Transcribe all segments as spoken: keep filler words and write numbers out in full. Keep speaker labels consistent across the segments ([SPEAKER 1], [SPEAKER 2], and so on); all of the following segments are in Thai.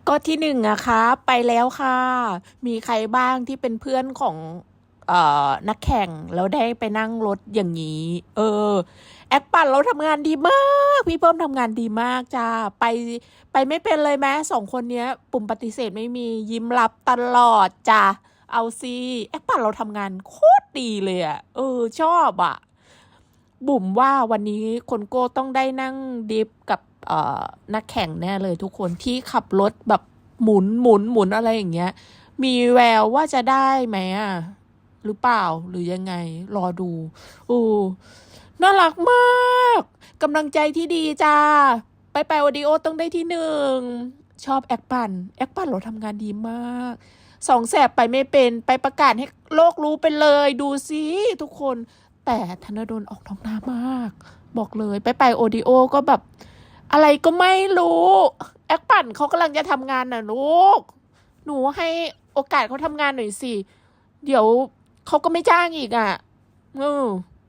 [SPEAKER 1] ก็ที่หนึ่งอะคะไปแล้วค่ะมีใครบ้างที่เป็นเพื่อนของเอ่อนักแข่งแล้วได้ไปนั่งรถอย่างนี้ เออแอคปั่นเราทำงานดีมากพี่เพิ่มทำงานดีมากจ้าไปไปไม่เป็นเลยแม้สองคนเนี้ยปุ่มปฏิเสธไม่มียิ้มรับตลอดจ้าเอาซีแอคปั่นเราทำงานโคตรดีเลยอะเออชอบอะบุ๋มว่าวันนี้คนโก้ต้องได้นั่งดิฟกับเอ่อนักแข่งแน่เลยทุกคนที่ขับรถแบบหมุนหมุนหมุนอะไรอย่างเงี้ยมีแววว่าจะได้ไหมอ่ะหรือเปล่าหรือยังไงรอดูอู้น่ารักมากกำลังใจที่ดีจ้าไปไปโอดิโอต้องได้ที่หนึ่งชอบแอคปันแอคปันเราทำงานดีมากสองแสบไปไม่เป็นไปประกาศให้โลกรู้ไปเลยดูสิทุกคนแต่ธนดลออกท้องน้ำมากบอกเลยไปไปโอดิโอก็แบบอะไรก็ไม่รู้แอคปั่นเขากำลังจะทำงานน่ะลูกหนูให้โอกาสเขาทำงานหน่อยสิเดี๋ยวเขาก็ไม่จ้างอีกอ่ะเออ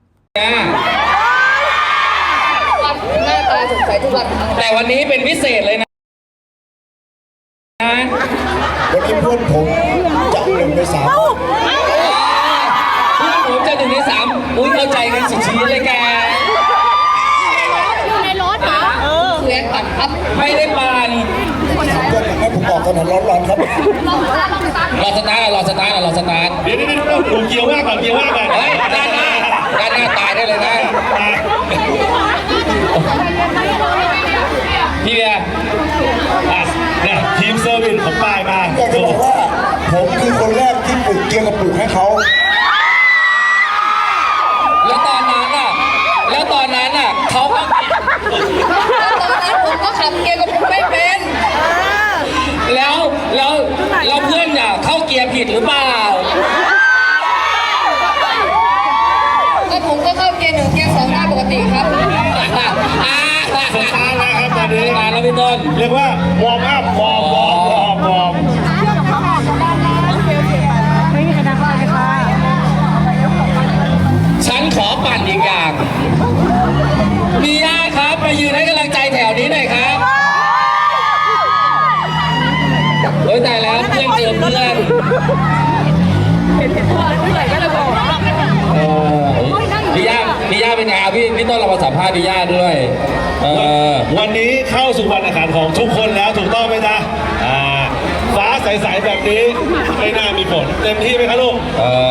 [SPEAKER 2] หน้าตาสดใสทุกวันแต่วันนี้เป็นพิเศษเลยนะ
[SPEAKER 3] วันนี้เพื่อนผมจะหนึ่งในสาม
[SPEAKER 2] เพื่อนผมจะหนึ่งในสามอุ้ยเข้าใจกันสุดชีวิตเลยแก
[SPEAKER 1] อยู่ในรถเหรอเออ
[SPEAKER 2] เพื่อนปั่นครับไม่ได้ปั่น
[SPEAKER 3] เพื่อนอยากให้ผมบอกถนนร้อนๆครับ
[SPEAKER 2] รอสตาร์ทรอสตาร์ทรอสตาร์ท
[SPEAKER 4] เดี๋ยวเดี๋ยวเดี๋ยวผมเกี่ยวว่าก่อนเกี่ยวว่าก่อน
[SPEAKER 2] เฮ้ยด้านหน้าด้านหน้าตายได้เลยนะพี่เบียร์
[SPEAKER 4] เนี่ยทีมเซอร์วิสของปลายมา
[SPEAKER 3] อยากจะบอกว่าผมคือคนแรกที่ปลูกเกียร์กับปลูกให้เขา
[SPEAKER 2] แล้วตอนนั้นอ่ะแล้วตอนนั้นอ่ะเขาตอนนั้นผมก็ขับเกียร์กับผมไม่เป็นแล้วแล้วแล้วเพื่อนอ่ะเข้าเกียร์ผิดหรือเปล่าก็ผมก็เข้าเกียร์หนึ่งเกียร์สองได้ปกติครับ
[SPEAKER 4] สตาร์ทแล้วครับตอนนี้
[SPEAKER 2] มาแล้วพี่ต้น
[SPEAKER 4] เรียกว่าวอร์มอัพวอร์มวอร์มวอร์มวอร์ม
[SPEAKER 2] ฉันขอปั่นอีกอย่างมีย่าครับมายืนให้กำลังใจแถวนี้หน่อยครับโอ้ยตายแล้วเพื่อนเจอเพื่อนพี่ย่าพี่ย่าเป็นไงพี่พี่ต้นเรามาสัมภาษณ์พี่ย่าด้วย
[SPEAKER 4] วันนี้เข้าสู่วันแข่งขันของทุกคนแล้วถูกต้องไหมจ๊ะฟ้าใสๆแบบนี้ไม่น่ามีผลเต็มที่ไหมครับลูก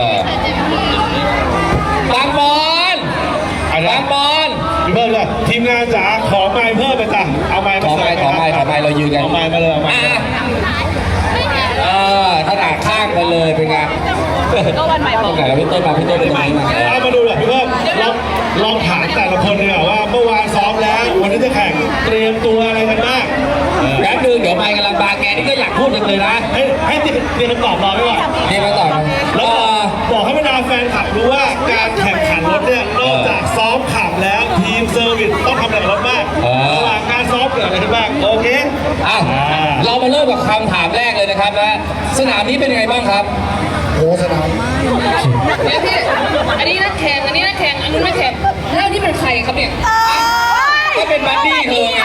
[SPEAKER 2] บางบอลบางบอล
[SPEAKER 4] พี่เพิ่มเลยทีมงานจ๋าขอไม้เพิ่มไปจ้ะเอาไม้มา
[SPEAKER 2] ขอไม้ขอไม้ขอไม้เรายืนกัน
[SPEAKER 4] ขอไม้มาเลยเอาไม้
[SPEAKER 2] เออถนัดข้างกันเลยเป็นไงก็วันใหม่บอกพี่ต้นมาพี่ต้นเป็นไงมา
[SPEAKER 4] เอามาดูหน่อยพี่เพิ่มลองลองถามแต่ละคนดีกว่าว่าเมื่อวานซ้อมแล้ววันนี้จะแข่งเตรียมตัวอะไรกันบ้าง
[SPEAKER 2] แป๊บนึงเดี๋ยวไปกำลังบาแกนี่ก็อยากพูดเลยนะ
[SPEAKER 4] ให้ให้เตรียมคำตอบรอไว้ก่อน
[SPEAKER 2] เตรียมคำตอบ
[SPEAKER 4] แล้วบอกให้บรรดาแฟนคลับรู้ว่าการแข่งขันรถเนี่ยนอกจากซ้อมขับแล้วทีมเซอร์วิสต้องทำอะไรกับรถบ้างระหว่างการซ้อมเกิดอะไรขึ้นบ้างโอเค
[SPEAKER 2] อ่ะเรามาเริ่มกับคำถามแรกเลยนะครับนะสนามนี้เป็นยังไงบ้างครับ
[SPEAKER 3] โอ้สนาม
[SPEAKER 2] เนี่ยพี่อันนี้นักแข่งอันนี้นักแข่งอันนู้นนักแข่งแล้วนี่เป็นใครครับเนี่ยก็เป็นบัดดี้เธอไง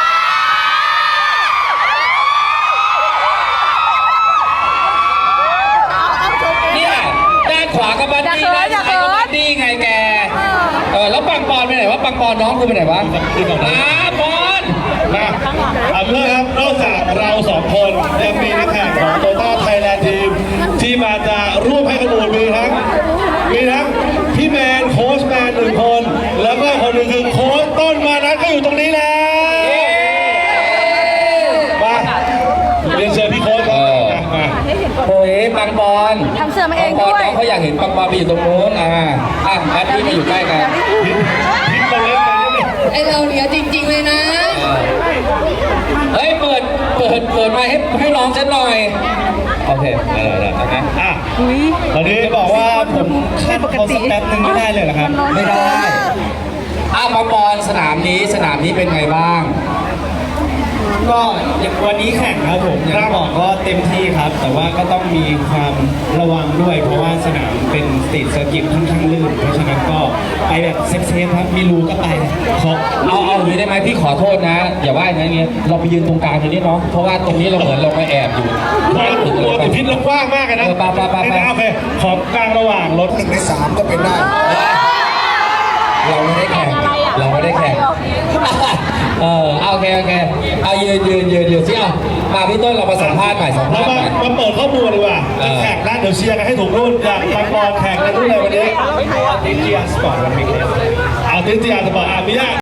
[SPEAKER 2] เนี่ยด้านขวากับบัดดี้ด้านซ้ายกับบัดดี้ไงแกเออแล้วปังปอนไปไหนวะปังปอนน้องกูไปไหนวะอ่าปอน
[SPEAKER 4] มาเอาเพื่อนครับนอกจากเราสองคนยังมีนักแข่งของโตต้าไทยแลนด์ทีมที่มาจะร่วมให้ข้อมูลมีทั้งมีทั้งพี่แมนโค้ชแมนหนึ่งคนแล้วก็คนหนึ่งคือโค้ชต้นมานัทก็อยู่ตรงนี้แล้วมาเรียนเชิญพี่โค้ชครับมา
[SPEAKER 2] โอ้ยปังปอน
[SPEAKER 1] ทำเสื้อมาเองด้วย
[SPEAKER 2] เขาอยากเห็นปังปอนไปอยู่ตรงโน้นอ่าอ่ะบัดดี้มาอยู่ใกล้กัน
[SPEAKER 4] พิมพ์ตรงนี้
[SPEAKER 2] ไอเราเนี่ยจริงๆเลยนะเฮ้ยเปิดเปิดเปิดมาให้ให้ร้องฉันหน่อยโอเคได้ได้ได้
[SPEAKER 4] อ่ะตอนนี้บอกว่าผมขั้นเขาสแตปหนึ่งไม่ได้เลยเหรอครับ
[SPEAKER 2] ไม่ได้อ่ะปังปอนสนามนี้สนามนี้เป็นไงบ้าง
[SPEAKER 5] ก็วันนี้แข่งครับผมอย่างที่บอกก็เต็มที่ครับ แต่ว่าก็ต้องมีความระวังด้วย เพราะว่าสนามเป็นสตรีทเซอร์กิตค่อนข้างลื่นเพราะฉะนั้นก็ไปแบบเซฟๆครับมีรูก็ไปขอ
[SPEAKER 2] เอาเอาอย่างนี้ได้ไหมพี่ขอโทษนะ อย่าว่าอย่างนี้เราไปยืนตรงกลางตรงนี้เนาะเพราะว่าตรงนี้เราเหมือนเราไปแอบอยู่
[SPEAKER 4] ตัวติดพิษเรากว้างมากเลยนะ
[SPEAKER 2] เออไปไปไปไป
[SPEAKER 4] โอเคขอกลางระหว่างรถ
[SPEAKER 3] หนึ่งในสามก็เป็นได้
[SPEAKER 2] เราไม่ได้แข่งเราไม่ได้แข่งเออเอาโอเคโอเคเอายืนยืนยืนยืนสิเอามาพี่ต้นเรามาสัมภาษณ์หน่อยสัม
[SPEAKER 4] เรา
[SPEAKER 2] ภาษณ์
[SPEAKER 4] มา
[SPEAKER 2] หน่อย
[SPEAKER 4] มาเปิดข้อมูลดีกว่า
[SPEAKER 2] เออ
[SPEAKER 4] จะแข่งแล้วเดี๋ยวเชียร์กันให้ถูกรุ่นอยากไปบอลแข่งในรุ่นอะไรวันนี้
[SPEAKER 5] ติเจียสปอร์ตวันนี้
[SPEAKER 4] เอาติสติอาสปอร์ตอามิยา